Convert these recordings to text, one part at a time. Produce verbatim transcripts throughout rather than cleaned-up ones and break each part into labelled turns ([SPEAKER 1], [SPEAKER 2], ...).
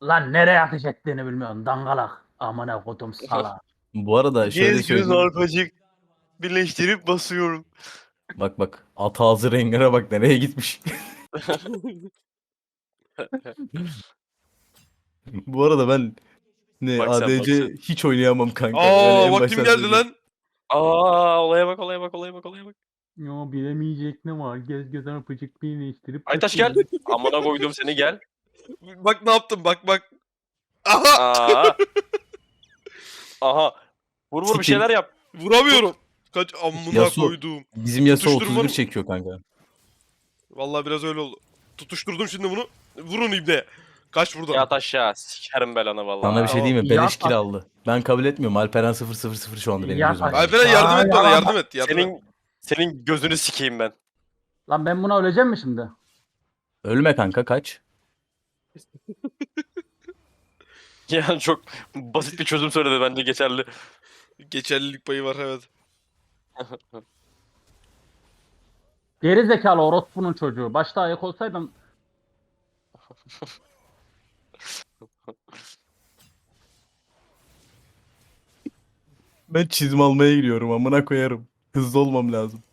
[SPEAKER 1] Lan nereye ateş ettiğini bilmiyorsun dangalak. Amına kodum sala.
[SPEAKER 2] Bu arada şöyle
[SPEAKER 3] Gez göz
[SPEAKER 2] söyleyeyim.
[SPEAKER 3] arpacık birleştirip basıyorum.
[SPEAKER 2] Bak bak. At ağzı Rengar'a bak nereye gitmiş. Bu arada ben ne
[SPEAKER 3] Bak sen, bak
[SPEAKER 2] A D C
[SPEAKER 3] sen.
[SPEAKER 2] hiç oynayamam kanka. Öyle
[SPEAKER 4] Aa
[SPEAKER 2] en
[SPEAKER 4] vaktim
[SPEAKER 2] baştan
[SPEAKER 4] geldi
[SPEAKER 2] söyleyeyim.
[SPEAKER 4] lan.
[SPEAKER 3] Aa olaya bak olaya bak olaya bak olaya bak.
[SPEAKER 1] Yo bilemeyecek ne var? Gez göz öpücük birleştirip.
[SPEAKER 3] Aytaş gel. Amına koydum seni gel.
[SPEAKER 4] Bak ne yaptım bak bak. Aha
[SPEAKER 3] Aa. Aha. Vur vur bir
[SPEAKER 2] Sikeyim.
[SPEAKER 3] şeyler yap.
[SPEAKER 4] vuramıyorum. Kaç amına
[SPEAKER 2] Yasuo.
[SPEAKER 4] koyduğum.
[SPEAKER 2] Bizim Yasuo
[SPEAKER 4] Tutuşturma
[SPEAKER 2] otuz bir
[SPEAKER 4] mı?
[SPEAKER 2] çekiyor kanka.
[SPEAKER 4] Vallahi biraz öyle oldu. Tutuşturdum şimdi bunu. Vurun ibne. Kaç buradan.
[SPEAKER 3] Yat aşağı. Sikerim belanı vallahi.
[SPEAKER 2] Sana bir şey diyeyim mi?
[SPEAKER 1] Ya-
[SPEAKER 2] Beleş kill aldı. Ben kabul etmiyorum. Alperen sıfır sıfır sıfır şu anda benim
[SPEAKER 1] Ya-
[SPEAKER 2] gözümde.
[SPEAKER 4] Alperen yardım et
[SPEAKER 1] Aa,
[SPEAKER 4] bana
[SPEAKER 1] ya-
[SPEAKER 4] yardım et. Yardım et.
[SPEAKER 3] Senin senin gözünü sikeyim ben.
[SPEAKER 1] Lan ben buna öleceğim mi şimdi?
[SPEAKER 2] Ölme kanka kaç.
[SPEAKER 3] Yani çok basit bir çözüm söyledi bence geçerli.
[SPEAKER 4] Geçerlilik payı var evet.
[SPEAKER 1] Geri zekalı orospunun çocuğu. Başta ayak olsaydım
[SPEAKER 2] Ben çizim almaya gidiyorum amına koyarım. Hızlı olmam lazım.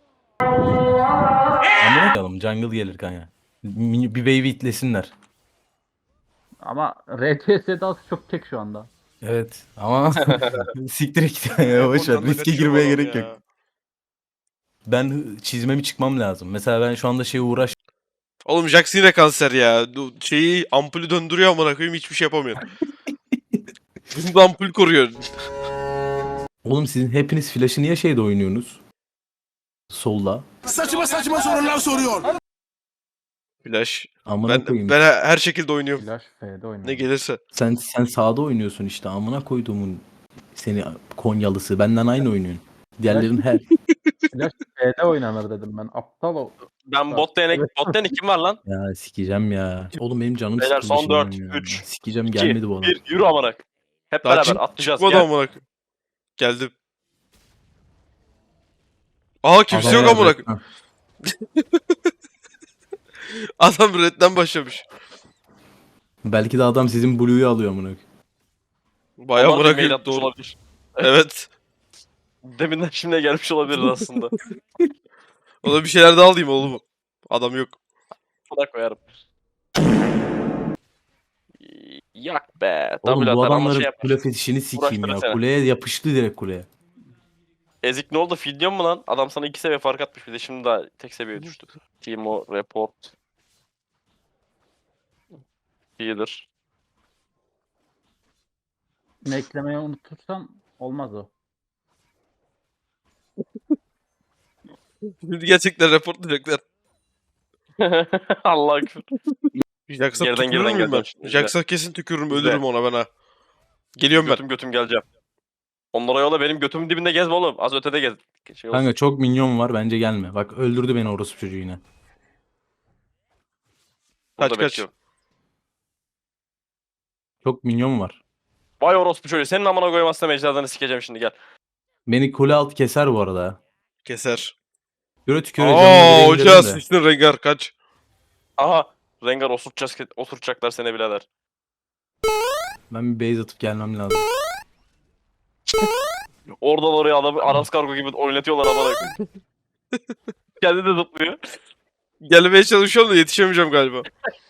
[SPEAKER 2] Amına koyalım jungle gelir kanka. Bir bir wave itlesinler.
[SPEAKER 1] ama R T S dansı çok tek şu anda.
[SPEAKER 2] Evet ama siktir git ya boş ver
[SPEAKER 4] Ondan da
[SPEAKER 2] riske
[SPEAKER 4] kaçıyor
[SPEAKER 2] girmeye
[SPEAKER 4] adam
[SPEAKER 2] gerek
[SPEAKER 4] ya.
[SPEAKER 2] yok. Ben hı- çizmemi çıkmam lazım. Mesela ben şu anda şeye uğraş
[SPEAKER 4] Oğlum Jax yine kanser ya. Du- Şeyi ampulü döndürüyor amına koyayım hiçbir şey yapamıyor. Bunu da ampul koruyor.
[SPEAKER 2] Oğlum sizin hepiniz flash'ı niye şeyde oynuyorsunuz? Solda.
[SPEAKER 5] Saçma saçma sorular soruyor.
[SPEAKER 4] Flash.
[SPEAKER 2] Amına
[SPEAKER 4] Ben,
[SPEAKER 2] koyayım.
[SPEAKER 4] ben her her şekilde oynuyorum.
[SPEAKER 1] Flash F'de oynuyor.
[SPEAKER 4] Ne gelirse.
[SPEAKER 2] Sen sen sağda oynuyorsun işte. Amına koyduğumun seni Konyalısı. Benden aynı oynuyorsun. Diğerlerin her
[SPEAKER 1] Flash F'de oynanır dedim ben. Aptal o.
[SPEAKER 3] Ben bot lane,
[SPEAKER 1] Evet.
[SPEAKER 3] bot lane kim var lan?
[SPEAKER 2] ya sikeceğim ya. Oğlum benim canım
[SPEAKER 3] Beyler,
[SPEAKER 2] sıkıldı
[SPEAKER 3] son
[SPEAKER 2] şimdi
[SPEAKER 3] dört,
[SPEAKER 2] ya.
[SPEAKER 3] üç,
[SPEAKER 2] Sikeceğim
[SPEAKER 3] İki,
[SPEAKER 2] gelmedi bu adam.
[SPEAKER 3] bir, yürü amına. Hep
[SPEAKER 4] Daha
[SPEAKER 3] beraber
[SPEAKER 4] çık-
[SPEAKER 3] atlayacağız.
[SPEAKER 4] çıkmadı
[SPEAKER 3] Gel.
[SPEAKER 4] amına koyayım. Geldim. Aha kimse yok
[SPEAKER 2] Adam-
[SPEAKER 4] amına koyayım.
[SPEAKER 2] Ha.
[SPEAKER 4] Adam redden başlamış.
[SPEAKER 2] Belki de adam sizin Blue'yu alıyor amına koyayım.
[SPEAKER 4] Bayağı
[SPEAKER 3] Onlar da mail
[SPEAKER 4] bırakıyor
[SPEAKER 3] atmış
[SPEAKER 4] doğru.
[SPEAKER 3] olabilir.
[SPEAKER 4] Evet.
[SPEAKER 3] Deminden şimdiye gelmiş olabiliriz aslında.
[SPEAKER 4] Ona bir şeyler daha alayım oğlum. Adam yok.
[SPEAKER 3] Buna koyarım. Yak be.
[SPEAKER 2] Oğlum
[SPEAKER 3] Double
[SPEAKER 2] bu
[SPEAKER 3] atar ama
[SPEAKER 2] adamların
[SPEAKER 3] şey yapar.
[SPEAKER 2] kule fetişini sikeyim
[SPEAKER 3] Uğraştırır
[SPEAKER 2] ya.
[SPEAKER 3] seni.
[SPEAKER 2] Kuleye yapıştı direkt kuleye.
[SPEAKER 3] Ezik ne oldu? Fidyon mu lan? Adam sana iki seviye fark atmış bir de şimdi daha tek seviyeye düştü. Timo, report. Healer.
[SPEAKER 1] Bunu eklemeyi unutursam olmaz o.
[SPEAKER 4] Şimdi gerçekten reportlayacaklar.
[SPEAKER 3] Allah küfür.
[SPEAKER 4] Jax'a
[SPEAKER 3] Geriden
[SPEAKER 4] tükürür
[SPEAKER 3] geriden
[SPEAKER 4] müyüm ben?
[SPEAKER 3] geleceğim şimdi.
[SPEAKER 4] Jax'a kesin tükürürüm
[SPEAKER 3] İzle.
[SPEAKER 4] ölürüm ona ben ha. Geliyorum ben.
[SPEAKER 3] Götüm götüm geleceğim. Onlara yola benim götümün dibinde gezme oğlum. Az ötede gez. Şey olsun.
[SPEAKER 2] Kanka çok minyon var bence gelme. Bak öldürdü beni orospu çocuğu yine.
[SPEAKER 3] Burada
[SPEAKER 4] Kaç, kaç.
[SPEAKER 3] bekliyorum.
[SPEAKER 2] Çok minyon var.
[SPEAKER 3] Vay orospu çocuğu. Senin amına koymazsam ecdadını sikeceğim şimdi gel.
[SPEAKER 2] Beni kule alt keser bu arada.
[SPEAKER 4] Keser.
[SPEAKER 2] Göre tüküre
[SPEAKER 4] Aa
[SPEAKER 2] canını
[SPEAKER 4] hoca
[SPEAKER 2] indirelim de.
[SPEAKER 4] sıçtın Rengar kaç.
[SPEAKER 3] Aha. Rengar osurtacağız, osurtacaklar seni birader.
[SPEAKER 2] Ben bir base atıp gelmem lazım.
[SPEAKER 3] Oradan oraya adamı Aras Kargo gibi oynatıyorlar amına koyayım. Kendi de zıplıyor.
[SPEAKER 4] Gelmeye çalışıyorum da yetişemeyeceğim galiba.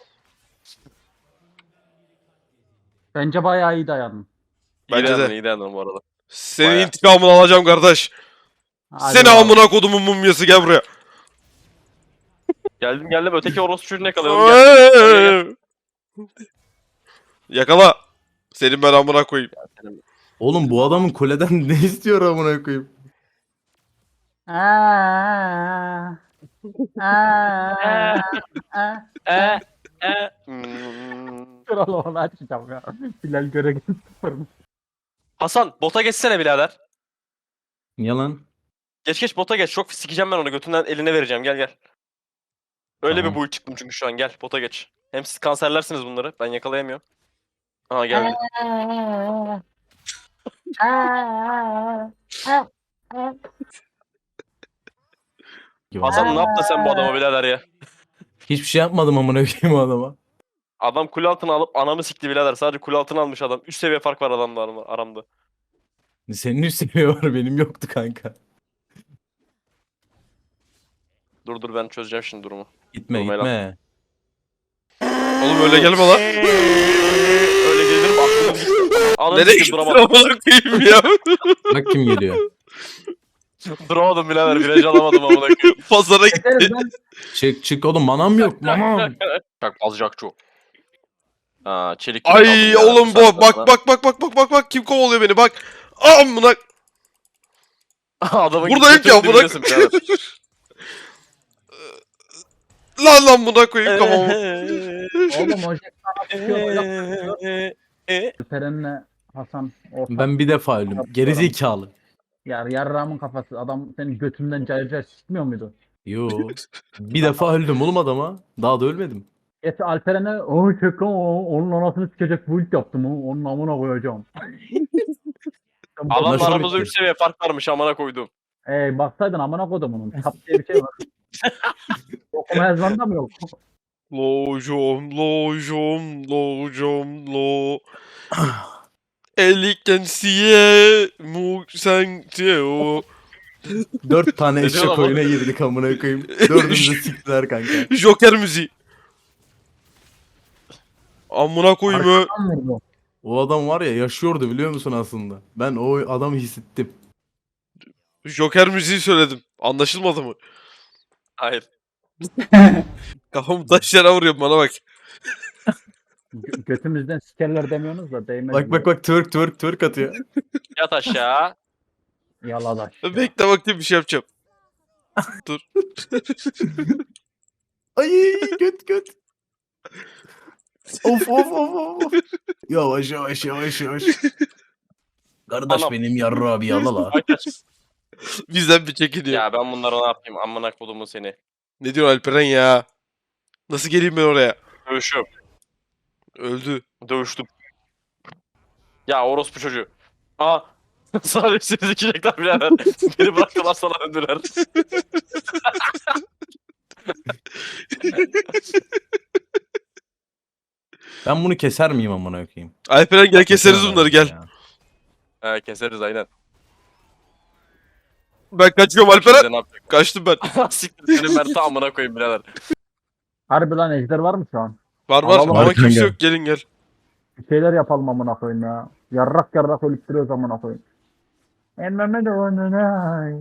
[SPEAKER 1] Bence bayağı iyi dayandım.
[SPEAKER 3] İyi
[SPEAKER 4] Bence
[SPEAKER 3] dayandın,
[SPEAKER 4] de.
[SPEAKER 3] iyi dayandın bu arada.
[SPEAKER 4] Senin
[SPEAKER 3] Bayağı.
[SPEAKER 4] intikamını alacağım kardeş.
[SPEAKER 1] Hadi
[SPEAKER 4] Seni
[SPEAKER 1] bakalım.
[SPEAKER 4] amına kodumun mumyası gel buraya.
[SPEAKER 3] Geldim geldim öteki orospu çocuğunu yakalıyorum. Gel.
[SPEAKER 4] Yakala. Senin ben amına koyayım.
[SPEAKER 2] Oğlum bu adamın kuleden ne istiyor amına koyayım?
[SPEAKER 1] Aa, aa, aa.
[SPEAKER 3] E e. Hmm.
[SPEAKER 1] Kral onu açacağım ya. Bilal göre sıfırmış.
[SPEAKER 3] Hasan bota geçsene birader.
[SPEAKER 2] Yalan.
[SPEAKER 3] Geç geç bota geç. Çok sikeceğim ben onu. Götünden eline vereceğim. Gel gel. Öyle
[SPEAKER 2] Tamam.
[SPEAKER 3] bir build çıktım çünkü şu an. Gel bota geç. Hem siz kanserlersiniz bunları. Ben yakalayamıyorum. Aha geldi. Hasan ne yaptın sen bu adama birader ya?
[SPEAKER 2] Hiçbir şey yapmadım amına koyayım o adama.
[SPEAKER 3] Adam kule altına alıp anamı sikti birader. Sadece kule altına almış adam. Üst seviye fark var adamla aram- aramda.
[SPEAKER 2] Senin üst seviye var, benim yoktu kanka.
[SPEAKER 3] Dur dur ben çözeceğim şimdi durumu.
[SPEAKER 2] Gitme
[SPEAKER 3] Durmayla.
[SPEAKER 2] gitme.
[SPEAKER 4] Oğlum öyle gelme lan.
[SPEAKER 3] Öyle gelir mi aklım gitti. Ananı
[SPEAKER 4] Nereye
[SPEAKER 3] sikeyim
[SPEAKER 4] gittin
[SPEAKER 3] duramadım.
[SPEAKER 4] amına koyayım ya?
[SPEAKER 2] Bak kim geliyor.
[SPEAKER 3] Duramadım birader. Viraj alamadım amına koyayım.
[SPEAKER 4] Pazara gitti.
[SPEAKER 1] Keseriz lan.
[SPEAKER 2] Çık çık oğlum, manam yok manam.
[SPEAKER 3] Bak alacak çok. Ha çelik.
[SPEAKER 4] Ay oğlum bu bak bak bak bak bak bak bak kim kovalıyor beni bak. Amına
[SPEAKER 3] Adamın
[SPEAKER 4] buradayım ki amına.
[SPEAKER 3] dibinesin birader.
[SPEAKER 4] Lan lan buna koyayım kafamı.
[SPEAKER 1] Oğlum o Jack sana tutuyor. Alperen'le Hasan ortak.
[SPEAKER 2] Ben bir defa öldüm. Gerizekalı.
[SPEAKER 1] Yar, yarrağımın kafası. Adam senin götünden cayır cayır sikmiyor muydu?
[SPEAKER 2] Yo. Bir defa öldüm oğlum adama. Daha da ölmedim.
[SPEAKER 1] Esi Alperen'e o çek lan o, onun anasını sikecek bu ilk yaptım o. Onun amına koyacağım.
[SPEAKER 3] Adamla
[SPEAKER 2] Anlaşıldı
[SPEAKER 3] aramızda
[SPEAKER 2] bitti.
[SPEAKER 3] üç seviye fark varmış amına koydum.
[SPEAKER 1] Ey baksaydın amına koydum onun. Tap diye bir şey var. Okuma yazmanda mı yok?
[SPEAKER 4] Lojom lojom lojom lo. Elikten siye mu sen o.
[SPEAKER 2] Dört tane
[SPEAKER 3] Ne
[SPEAKER 2] eşek
[SPEAKER 3] diyor lan bu?
[SPEAKER 2] oyuna girdik amına koyayım. Dördümüzü siktiler kanka.
[SPEAKER 4] Joker müziği. Amına koyayım ö.
[SPEAKER 1] Arkadan vurdu.
[SPEAKER 2] O adam var ya, yaşıyordu biliyor musun aslında? Ben o adamı hissettim.
[SPEAKER 4] Joker müziği söyledim. Anlaşılmadı mı?
[SPEAKER 3] Hayır.
[SPEAKER 4] Kafamı taş yere vuruyorum bana bak.
[SPEAKER 1] Gö- götümüzden sikerler demiyorsunuz da değmedi.
[SPEAKER 2] Bak bak bak, twerk twerk twerk atıyor.
[SPEAKER 3] Yat aşağı.
[SPEAKER 1] Yaladaş. ya.
[SPEAKER 4] Bekle bakayım bir şey yapacağım. Dur.
[SPEAKER 2] Ay göt göt. Of of of of. Yavaş yavaş yavaş yavaş. Kardeş
[SPEAKER 3] Anam.
[SPEAKER 2] benim yarra abi yalala.
[SPEAKER 3] Ay kaç.
[SPEAKER 4] Bizden bir çekiniyor.
[SPEAKER 3] Ya ben bunlara ne yapayım amına kodumu seni.
[SPEAKER 4] Ne diyor Alperen ya? Nasıl geleyim ben oraya?
[SPEAKER 3] Dövüşüyorum.
[SPEAKER 4] Öldü.
[SPEAKER 3] Dövüştüm. Ya orospu çocuğu. Aa. Sadece sizi dikecekler birader. Beni bıraktılar sana döndüler.
[SPEAKER 2] Ben bunu keser miyim amına koyayım?
[SPEAKER 4] Alperen gel keseriz bunları gel.
[SPEAKER 2] Ya.
[SPEAKER 3] He keseriz aynen.
[SPEAKER 4] Ben kaçıyorum
[SPEAKER 3] Şimdi
[SPEAKER 4] Alperen.
[SPEAKER 3] ne yapacak?
[SPEAKER 4] Kaçtım ben.
[SPEAKER 3] Siktir senin Mert'i amına koyayım birader.
[SPEAKER 1] Harbi lan ejder var mı şu an?
[SPEAKER 4] Var var
[SPEAKER 1] Alalım
[SPEAKER 4] ama
[SPEAKER 2] Arkan
[SPEAKER 4] kimse
[SPEAKER 2] gel.
[SPEAKER 4] yok gelin gel.
[SPEAKER 1] Bir şeyler yapalım amına koyayım ya. Yarrak yarrak ölüp duruyoruz amına koyayım. Emmeme de onunay.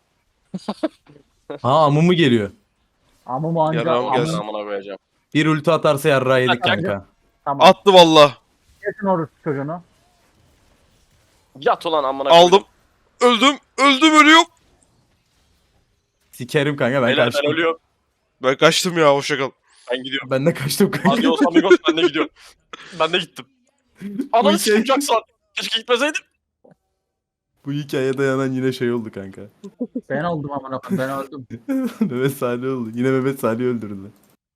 [SPEAKER 2] Ha amumu geliyor.
[SPEAKER 1] Amım anca
[SPEAKER 4] Yarrağım
[SPEAKER 1] amım.
[SPEAKER 4] gelsin.
[SPEAKER 3] Amına koyacağım.
[SPEAKER 2] Bir ulti atarsa yarra yedik
[SPEAKER 3] Kanka.
[SPEAKER 2] kanka.
[SPEAKER 1] Tamam.
[SPEAKER 4] Attı valla.
[SPEAKER 1] Kesin orası çocuğunu.
[SPEAKER 3] Yat ulan amına koyayım.
[SPEAKER 4] Aldım. Öldüm. Öldüm ölüyorum.
[SPEAKER 2] Sikerim kanka, ben
[SPEAKER 3] Beyler ben
[SPEAKER 2] kaçtım.
[SPEAKER 3] ölüyorum.
[SPEAKER 4] Ben kaçtım ya hoşça kal.
[SPEAKER 3] Ben gidiyorum.
[SPEAKER 2] Ben de kaçtım kanka.
[SPEAKER 3] Adios amigos ben de gidiyorum. Ben de gittim. Ananı
[SPEAKER 2] hikaye-
[SPEAKER 3] sikeyim Jackson. Keşke gitmeseydim.
[SPEAKER 2] Bu hikaye dayanan yine şey oldu kanka.
[SPEAKER 1] Ben oldum amına koyayım ben öldüm.
[SPEAKER 2] Mehmet Salih oldu. Yine Mehmet Salih öldürdü.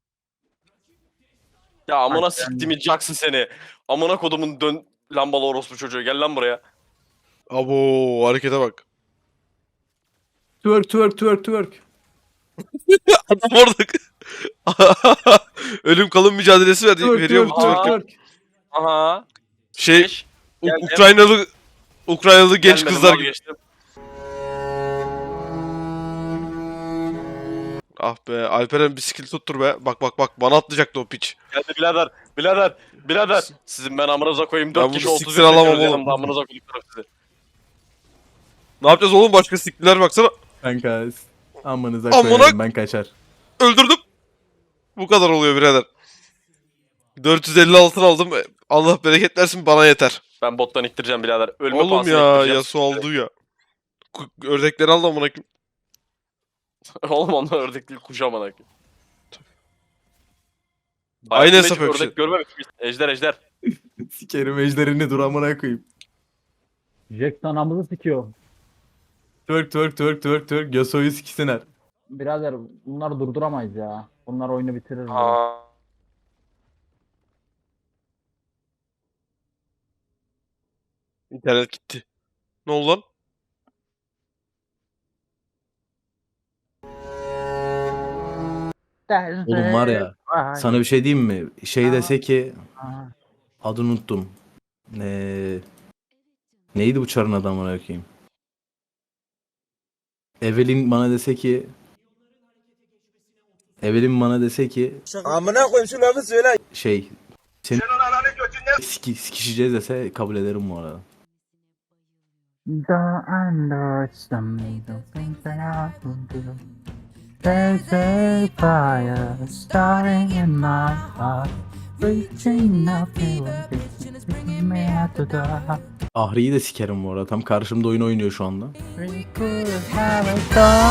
[SPEAKER 3] Ya amına
[SPEAKER 1] Bak ben-
[SPEAKER 3] siktiğimi Jackson seni. Amına kodumun dön lambalı orospu çocuğu. Gel lan buraya.
[SPEAKER 4] Abo harekete bak.
[SPEAKER 2] Twerk twerk twerk twerk.
[SPEAKER 4] Adam orada. Ölüm kalım mücadelesi ver,
[SPEAKER 2] Twerk
[SPEAKER 4] veriyor bu
[SPEAKER 2] twerk twerk
[SPEAKER 4] twerk.
[SPEAKER 2] twerk.
[SPEAKER 3] Aha.
[SPEAKER 4] Şey
[SPEAKER 3] Geç.
[SPEAKER 4] U-
[SPEAKER 3] Geldim.
[SPEAKER 4] Ukraynalı Ukraynalı genç
[SPEAKER 3] Gelmedim,
[SPEAKER 4] kızlar gibi.
[SPEAKER 3] vazgeçtim.
[SPEAKER 4] Ah be Alperen bir skill tuttur be. Bak bak bak bana atlayacaktı o piç.
[SPEAKER 3] Geldi birader. Birader. Birader. Sizin ben amınıza koyayım.
[SPEAKER 4] Ben
[SPEAKER 3] Dört
[SPEAKER 4] bunu
[SPEAKER 3] kişi otuz
[SPEAKER 4] siktir
[SPEAKER 3] bir
[SPEAKER 4] alamam
[SPEAKER 3] bekliyoruz
[SPEAKER 4] oğlum.
[SPEAKER 3] yanımda. Amınıza koyduklarım sizi.
[SPEAKER 4] Ne yapacağız oğlum başka skill'ler baksana.
[SPEAKER 2] Kanka amanıza
[SPEAKER 4] Amına-
[SPEAKER 2] koyarım, ben kaçar.
[SPEAKER 4] Öldürdüm. Bu kadar oluyor birader. dört yüz elli altın aldım. Allah bereket versin bana yeter.
[SPEAKER 3] Ben bottan iktireceğim birader. Ölme
[SPEAKER 4] Oğlum
[SPEAKER 3] pahasına
[SPEAKER 4] ya
[SPEAKER 3] iktireceğim.
[SPEAKER 4] Yasuo aldı ya. Ku- Ördekleri al da amına koyayım.
[SPEAKER 3] Oğlum onlar ördek değil kuş amına koyayım.
[SPEAKER 4] Aynı
[SPEAKER 3] Hayatımda
[SPEAKER 4] hesap
[SPEAKER 3] hiç
[SPEAKER 4] hepsi.
[SPEAKER 3] ördek görmemişim. Ejder ejder.
[SPEAKER 2] Sikerim ejderini, dur amına koyayım.
[SPEAKER 1] Jack anamızı sikiyor.
[SPEAKER 2] Twerk twerk twerk twerk twerk. Yasuo'yu siksinler.
[SPEAKER 1] Birader bunları durduramayız ya. Bunlar oyunu bitirir. ya.
[SPEAKER 3] Aa.
[SPEAKER 4] İnternet gitti. Ne oldu lan?
[SPEAKER 2] Oğlum var ya, sana bir şey diyeyim mi? Şey dese ki adını unuttum. Ee, neydi bu çarın adamı bakayım? Evelyn bana dese ki Evelyn bana dese ki
[SPEAKER 5] Amına koyayım şu lafı söyle.
[SPEAKER 2] şey seni siki, sikişeceğiz dese kabul ederim bu arada.
[SPEAKER 1] Don't understand the things that I can do. There's a fire starting in my heart, reaching up to taking me out to die.
[SPEAKER 2] Ahri'yi de sikerim bu arada. Tam karşımda oyun oynuyor şu anda.
[SPEAKER 1] We could have a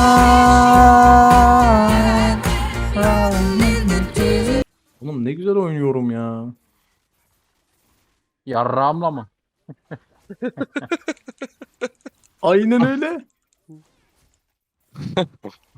[SPEAKER 1] dawn, rolling in the deep.
[SPEAKER 2] Oğlum ne güzel oynuyorum ya.
[SPEAKER 1] Yarrağımla mı?
[SPEAKER 2] Aynen öyle.